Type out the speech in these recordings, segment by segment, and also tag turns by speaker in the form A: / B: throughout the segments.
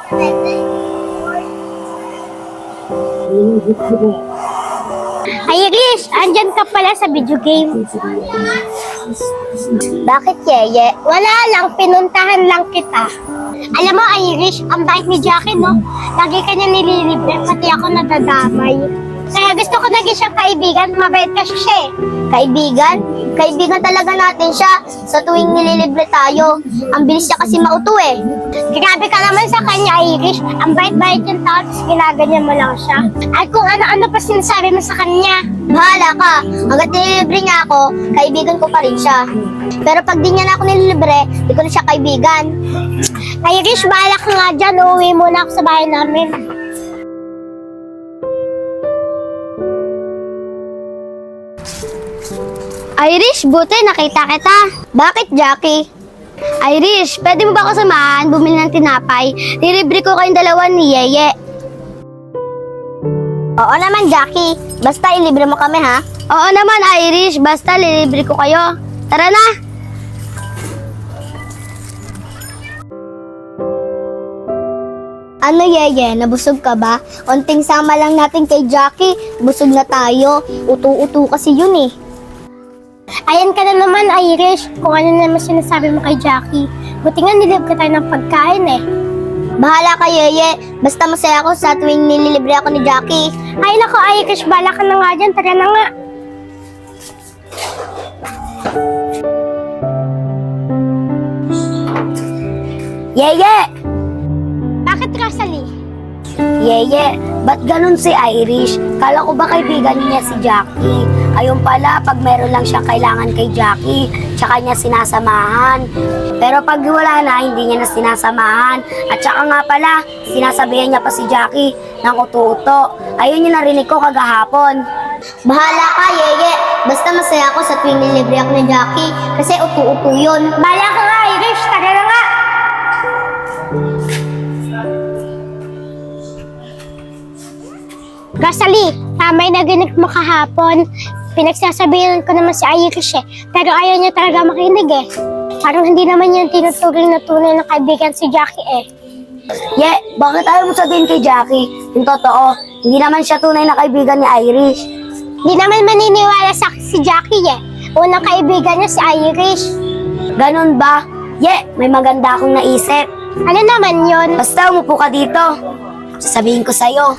A: Irish, andyan ka pala sa video game. Bakit, Yeye? Wala lang, pinuntahan lang kita. Alam mo, Irish, ang bait ni Jackie, no? Lagi ka niya nililibre, pati ako nadadamay. Kaya gusto ko naging siyang kaibigan, mabait kasi siya eh. Kaibigan? Kaibigan talaga natin siya sa tuwing nililibre tayo. Ang bilis niya kasi mauto eh. Grabe ka naman sa kanya, Irish. Ang bait-bait yung tao, tapos ginaganyan mo lang siya. At kung ano-ano pa sinasabi mo sa kanya. Bahala ka. Hanggat nililibre niya ako, kaibigan ko pa rin siya. Pero pag di niya na ako nililibre, di ko na siya kaibigan. Irish, bahala ka nga dyan. Uuwi muna ako sa bahay namin. Irish, buti nakita kita. Bakit, Jackie? Irish, pwede mo ba ako samahan bumili ng tinapay? Nilibre ko kayong dalawa ni Yeye. Oo naman, Jackie. Basta ilibre mo kami, ha? Oo naman, Irish. Basta lilibre ko kayo. Tara na! Ano, Yeye? Nabusog ka ba? Konting sama lang natin kay Jackie. Busog na tayo. Utu-utu kasi yun eh. Ayan ka na naman, Irish. Kung ano naman sinasabi mo kay Jackie. Buti nga nililibre tayo ng pagkain eh. Bahala ka, Yeye. Basta masaya ako sa tuwing nililibre ako ni Jackie. Ay nako, Irish. Bahala ka na nga dyan. Tara na nga. Yeye! Bakit, Rosalie? Yeye, ba't ganun si Irish? Kala ko ba kaibigan niya si Jackie? Ayun pala, pag meron lang siya kailangan kay Jackie, tsaka niya sinasamahan. Pero pag wala na, hindi niya na sinasamahan. At tsaka nga pala, sinasabihan niya pa si Jackie ng uto-uto. Ayun yung narinig ko kagahapon. Bahala ka, Yeye. Basta masaya ako sa tuwing nilibre ako ni Jackie kasi uto-uto yun. Bahala ka nga, Irish. Tara na nga. Rosalie, tama yung naginig mo kahapon. Pinagsasabihan ko naman si Irish eh. Pero ayaw niya talaga makinig eh. Parang hindi naman yan tinuturing na tunay na kaibigan si Jackie eh. Bakit ayaw mo sabihin kay Jackie? Yung totoo, hindi naman siya tunay na kaibigan ni Irish. Hindi naman maniniwala sa si Jackie eh. Unang kaibigan niya si Irish. Ganun ba? May maganda akong naisip. Ano naman yon? Basta umupo ka dito. Sasabihin ko sa'yo.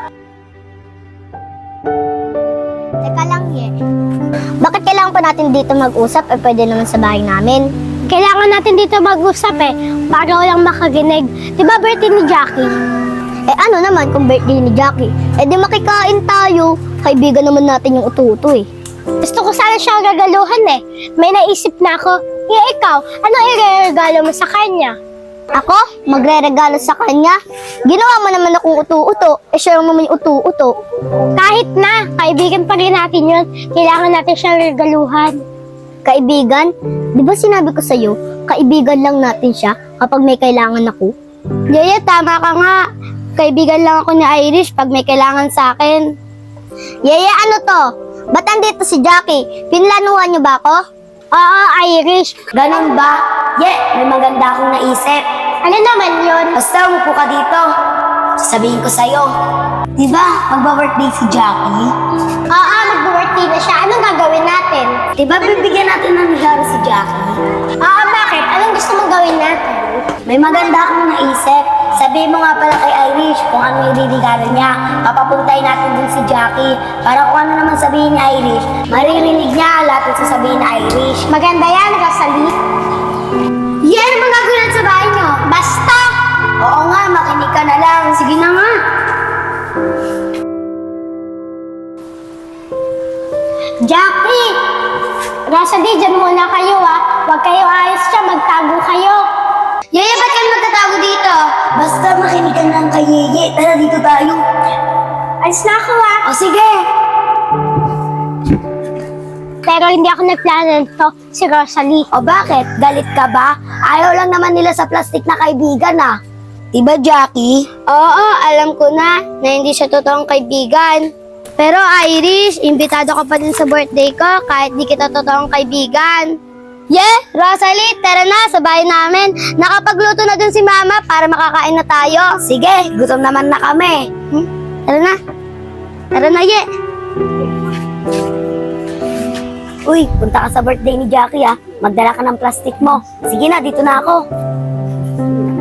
A: Teka lang, Bakit kailangan pa natin dito mag-usap? Pwede naman sa bahay namin. Kailangan natin dito mag-usap para walang makaginig. Diba birthday ni Jackie? Ano naman kung birthday ni Jackie? Di makikain tayo. Kaibigan naman natin yung uto-uto eh. Gusto ko sana siyang regaluhan May naisip na ako. Ikaw, ano i-regalo mo sa kanya? Ako? Magre-regalo sa kanya? Ginawa mo naman akong uto-uto. Siya naman yung uto-uto. Kahit na, kaibigan pa rin natin yun. Kailangan natin siyang regaluhan. Kaibigan? Di ba sinabi ko sa'yo, kaibigan lang natin siya kapag may kailangan ako? Yaya, tama ka nga. Kaibigan lang ako ni Irish pag may kailangan sa akin. Yaya, ano to? Ba't andito si Jackie? Pinlanuhan niyo ba ako? Oo, Irish. Ganun ba? May maganda akong naisip. Ano naman yun? Basta umupo ka dito. Sasabihin ko sa'yo. Diba, magba-birthday si Jackie? Oo, magba-birthday na siya. Anong gagawin natin? Diba, bibigyan natin ng regalo si Jackie? Oo, bakit? Anong gusto mong gawin natin? May maganda akong naisip. Sabihin mo nga pala kay Irish kung ano yung regalo niya. Papapuntay natin din si Jackie. Para kung ano naman sabihin ni Irish, maririnig niya lahat ng sasabihin ni Irish. Maganda yan, Rosalie. Ano bang gagawin sa bahay niyo? Basta! Oo nga, makinig ka na lang. Sige na nga. Jackie! Rosalie, dyan muna kayo Huwag kayo ayos siya, magtago kayo. Yeye, ba't kayo magtatago dito? Basta makinig ka lang kay Yeye. Tara, dito tayo. Alis na ako O sige. Pero hindi ako nagplano nito, si Rosalie. O bakit? Galit ka ba? Ayaw lang naman nila sa plastic na kaibigan Diba, Jackie? Oo, alam ko na hindi siya totoong kaibigan. Pero Irish, imbitado ka pa din sa birthday ko kahit di kita totoong kaibigan. Rosalie, tara na sa bahay namin. Nakapagluto na dun si Mama para makakain na tayo.
B: Sige, gutom naman na kami.
A: Tara na. Tara na, Ye.
B: Uy, punta ka sa birthday ni Jackie ah. Magdala ka ng plastic mo. Sige na, dito na ako.